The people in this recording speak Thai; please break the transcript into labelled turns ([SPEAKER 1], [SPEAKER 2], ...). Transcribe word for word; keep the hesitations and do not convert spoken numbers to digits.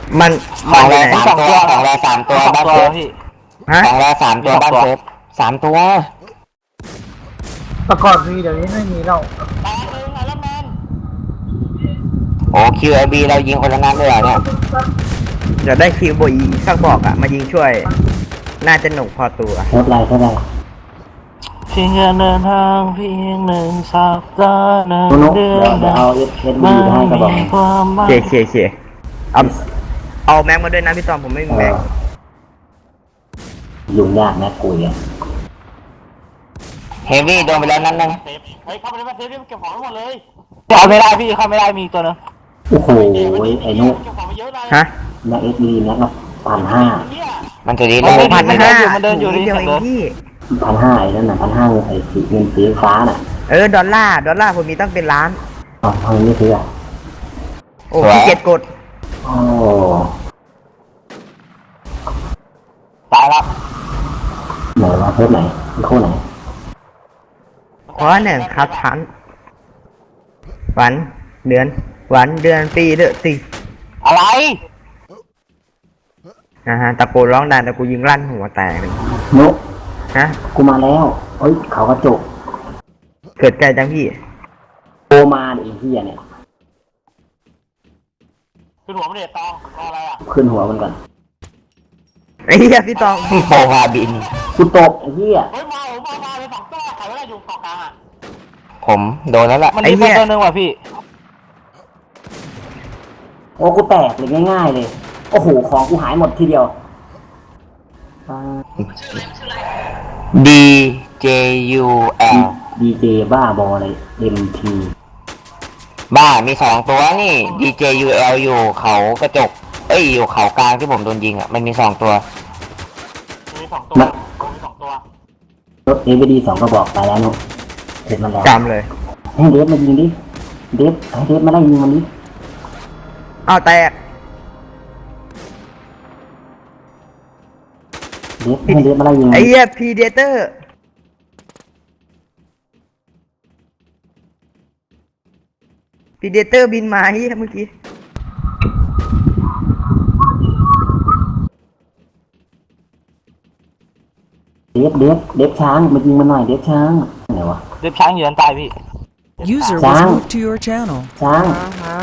[SPEAKER 1] มัน
[SPEAKER 2] สองแร
[SPEAKER 1] มัน
[SPEAKER 2] สามตัวสองแรสามตัวบ้านเซฟ
[SPEAKER 1] ฮะ
[SPEAKER 2] สองแรสามตัวบ้านเซฟสามตัว
[SPEAKER 3] ประกอบมีเดี๋ยวนี้ไม่มีแล้ว
[SPEAKER 2] โอ้คิวไอบีเรายิงคนละนัดเลยเหรอเนี่ย
[SPEAKER 1] อยากได้คิวโบอีสักบอกอะมายิงช่วย น่าจะหนุกพอตัว
[SPEAKER 4] เท่าไรเท่าไร
[SPEAKER 5] เพียงแค่เดินทางเพียงหนึ่งสัปดาห์หนึ่ง
[SPEAKER 4] นุ๊ก
[SPEAKER 5] เดือ
[SPEAKER 4] เดี๋ยวน เดี๋ยวเอาเอสเอสบีให้กระบอก
[SPEAKER 5] ความหมาย
[SPEAKER 1] เคเคเคเอาเอาแม็กมาด้วยนะพี่ตอมผมไม่มี
[SPEAKER 4] เอ
[SPEAKER 1] แม็ก
[SPEAKER 4] อยุ่งยากนะกุยอ่ะ
[SPEAKER 2] เฮฟวี่โดนไปแล้วนัดนึง
[SPEAKER 5] เฮ้ยเข้าไปในบ้านเซฟดิเก็บของทั้งหมดเลยเข้าไม่ได้พี่เข้าไม่ได้มีอีกตัวนึง
[SPEAKER 4] โอ้โหไอ้นุ๊ก
[SPEAKER 5] เก็บของไปเยอะเลย
[SPEAKER 1] ฮะ
[SPEAKER 4] นักเอสบีนักละพันห้า
[SPEAKER 2] มันจะดี
[SPEAKER 5] มั
[SPEAKER 2] เล
[SPEAKER 5] น
[SPEAKER 2] ย
[SPEAKER 5] ไม่
[SPEAKER 1] พั
[SPEAKER 5] ทั
[SPEAKER 1] น
[SPEAKER 5] น
[SPEAKER 1] ห้า
[SPEAKER 5] มันเดินอยู่
[SPEAKER 1] นิดเดียว
[SPEAKER 5] มัน
[SPEAKER 1] เอ
[SPEAKER 5] เดิ
[SPEAKER 1] ง
[SPEAKER 5] นอยู่
[SPEAKER 1] พี่
[SPEAKER 4] พันห้าไอ้นั่นน่ะพันห้าไอ้สีเงินสีฟ้าน่ะ
[SPEAKER 1] เออดอลลาร์ดอลลาร์ผมมีตั้งเป็นล้าน
[SPEAKER 4] อ๋อทำไมไม่ซื้ออ่ะ
[SPEAKER 1] โอ้พี่เจ็ดกด
[SPEAKER 4] โอ้
[SPEAKER 5] ตายแล้ว
[SPEAKER 4] ไหนวะเพิ่มไหนคู่ไหน
[SPEAKER 1] เพราะหนึ่งครับพันวันเดือนวันเดือนปีเดือนสิ
[SPEAKER 5] อะไร
[SPEAKER 1] นะฮะตะโกนร้องดังแต่กูยิงลั่นหัวแตกเลย
[SPEAKER 4] นุ๊ก
[SPEAKER 1] ฮะ
[SPEAKER 4] กูมาแล้วเอ้ยเขากระจก
[SPEAKER 1] เกิดใจจังพี่
[SPEAKER 4] โอมาดิไอ้เหี้ยเนี่ย
[SPEAKER 5] ขึ้นหัวมันเด็ดตองรออะไรอ่ะ
[SPEAKER 4] ขึ้นหัวมันก่อน
[SPEAKER 1] ไอ้เหี้ยพี่ตอง
[SPEAKER 2] โปฮาบิน
[SPEAKER 4] กูตกไอ้เหี้ย
[SPEAKER 5] เฮ้ยมาผมมามาเลยสองตัวใครไม่ได้อยู่เกาะกลางอ่ะ
[SPEAKER 2] ผมโดนแล้วล่ะ
[SPEAKER 5] มันมีตัวนึงว่ะพี่
[SPEAKER 4] โอ้กูแตกเลยง่ายๆเลยโอ้โหของกูหายหมดทีเดียว
[SPEAKER 2] D J U L
[SPEAKER 4] ดีเจบ้าบอเลย เอ็ม พี
[SPEAKER 2] บ้ามีสองตัวนี่ D J U L อยู่เขากระจก เอ้ยอยู่เขากลางที่ผมโดนยิงอ่ะมันมีสองตัว
[SPEAKER 5] มีสองตัวมีสองตัว
[SPEAKER 4] รถเอวีดีสองกระบอกไปแล้วนุ๊กเสร็จมันแล้ว
[SPEAKER 1] จำเลย
[SPEAKER 4] ให้เดฟมายิงดิเดฟให้เดฟมาไล่ยิงมันดิ
[SPEAKER 1] เอาแตก
[SPEAKER 4] เดฟให้เดฟมาไล่ยิงมัน
[SPEAKER 1] ไอ้
[SPEAKER 4] ดิ
[SPEAKER 1] เหี้ยพีเดเตอร์พีเดเตอร์บินมาเหี้ยเมื่อกี้
[SPEAKER 4] เดฟเดฟเดฟช้างมายิงมันหน่อยเดฟช้างไหนวะ
[SPEAKER 5] เด็บช้างอยู่ด้านใต้พี่
[SPEAKER 6] User was
[SPEAKER 4] Sáng.
[SPEAKER 6] moved to your channel.
[SPEAKER 4] ช้าง